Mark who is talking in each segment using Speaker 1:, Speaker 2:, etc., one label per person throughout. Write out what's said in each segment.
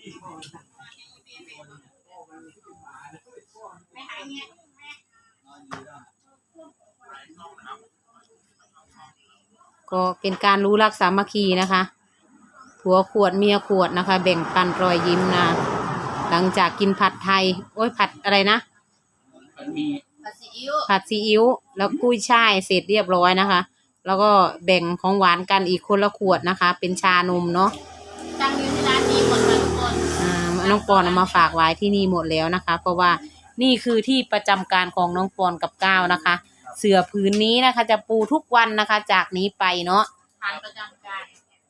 Speaker 1: ก็เป็นการรู้รักสามัคคีนะคะผัวขวดเมียขวดนะคะแบ่งปันรอยยิ้มนะหลังจากกินผัดไทยโอ้ยผัดอะไรนะผัดซีอิ๊วแล้วกุ้ยช่ายเสร็จเรียบร้อยนะคะแล้วก็แบ่งของหวานกันอีกคนละขวดนะคะเป็นชานมเนาะ
Speaker 2: ตั้งอยู่ที่ร้านนี้หมดเลยทุกคน
Speaker 1: น้องปอนเอามาฝากไว้ที่นี่หมดแล้วนะคะเพราะว่านี่คือที่ประจำการของน้องปอนกับก้าวนะคะเสื่อผืนนี้นะคะจะปูทุกวันนะคะจากนี้ไปเนาะ
Speaker 2: ฐานประจำการ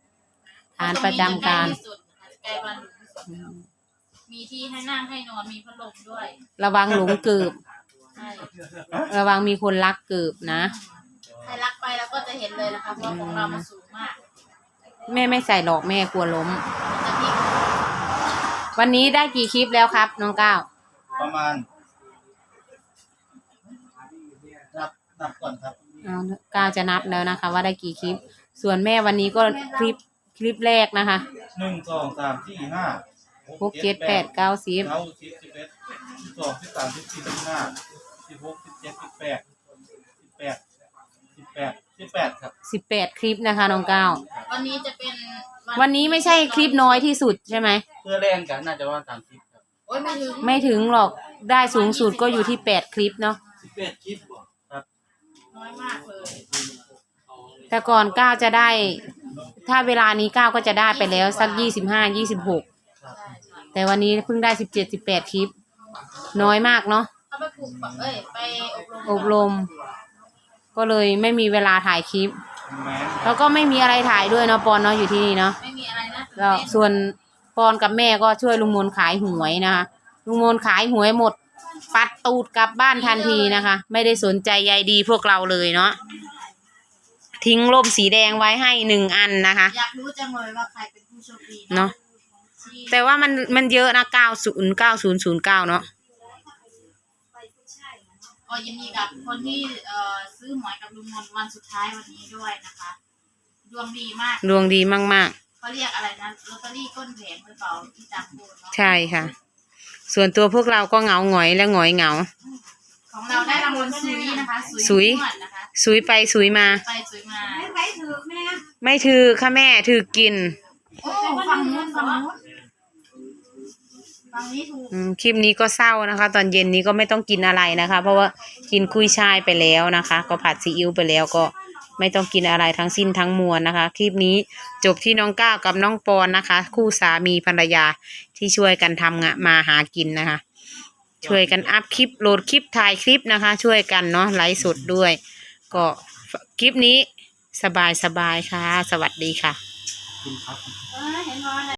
Speaker 2: ใกล้บ้านมีที่ให้นั่งให้นอนมีพัดลมด้วย
Speaker 1: ระวังหลงเกิบระวังมีคนลักเกิบนะ
Speaker 2: ใครลักไปแล้วก็จะเห็นเลยนะคะเพราะของเรามันสูงมาก
Speaker 1: แม่ไม่ใส่หรอกแม่กลัวล้มวันนี้ได้กี่คลิปแล้วครับน้องก้าว
Speaker 3: ประมาณนับก่อนครับ
Speaker 1: ก้าวจะนับแล้วนะคะว่าได้กี่คลิปส่วนแม่วันนี้ก็คลิปแรกนะคะ
Speaker 3: 1 2 3 4 5
Speaker 1: 6 7 8 9 10
Speaker 3: 11 12 13 14 15 16 17 18ครับ
Speaker 1: 18คลิปนะคะน้องก้าว
Speaker 2: วันนี้จะเป็น
Speaker 1: วันนี้ไม่ใช่คลิปน้อยที่สุดใช่ไหม
Speaker 3: เพื่อแรงกันน่าจะว่า30ครับ
Speaker 2: โอ้ย
Speaker 1: ไม่ถึงหรอกได้สูงสุดก็อยู่ที่8คลิปเนาะ
Speaker 3: 18คลิปครับ
Speaker 2: น้อยมากเลย
Speaker 1: แต่ก่อนก้าวจะได้ถ้าเวลานี้ก้าวก็จะได้ไปแล้วสัก25 26แต่วันนี้เพิ่งได้17 18คลิปน้อยมากเนาะ
Speaker 2: เขาไปฝึกไป
Speaker 1: อบรมก็เลยไม่มีเวลาถ่ายคลิปแล้วก็ไม่มีอะไรถ่ายด้วยเนาะปอนเนาะอยู่ที่นี่เนาะ
Speaker 2: ไม่มีอะไรนะ
Speaker 1: แล้วส่วนปอนกับแม่ก็ช่วยลุงมนขายหวยนะคะลุงมนขายหวยหมดปัดตูดกลับบ้านทันทีนะคะไม่ได้สนใจใยดีพวกเราเลยเนาะทิ้งร่มสีแดงไว้ให้1 อันนะคะ
Speaker 2: อยากรู้จังเลยว่าใครเป็นผู้โชคดี
Speaker 1: เนาะแต่ว่ามันเยอะนะ909009เนาะ
Speaker 2: ก็ยินดีกับคนที่ซื้อหวยกับลุงมนวันสุดท้ายวันนี้ด้วยนะคะดวงดีมาก
Speaker 1: ดวงดีมาก
Speaker 2: ๆเขาเรียกอะไรนะลอตเตอรี่ก้นแผงหรือเปล่าที่จำพูดเนาะ
Speaker 1: ใช่ค่ะส่วนตัวพวกเราก็เหงาหงอยและหงอยเหงา
Speaker 2: ของเราได้รางวัลซุยนะคะซุย
Speaker 1: ไปซุยมา
Speaker 2: ไม่ถือแม่
Speaker 1: ไม่ถือค่ะแม่ถือกิน
Speaker 2: โอ้ฟังนู้น
Speaker 1: คลิปนี้ก็เศร้านะคะตอนเย็นนี้ก็ไม่ต้องกินอะไรนะคะเพราะว่ากินกุ้ยช่ายไปแล้วนะคะก็ผัดซีอิ๊วไปแล้วก็ไม่ต้องกินอะไรทั้งสิ้นทั้งมวลนะคะคลิปนี้จบที่น้องก้าวกับน้องปอนนะคะคู่สามีภรรยาที่ช่วยกันทำงานมาหากินนะคะช่วยกันอัพคลิปโหลดคลิปถ่ายคลิปนะคะช่วยกันเนาะไลฟ์สดด้วยก็คลิปนี้สบายค่ะสวัสดีค่ะ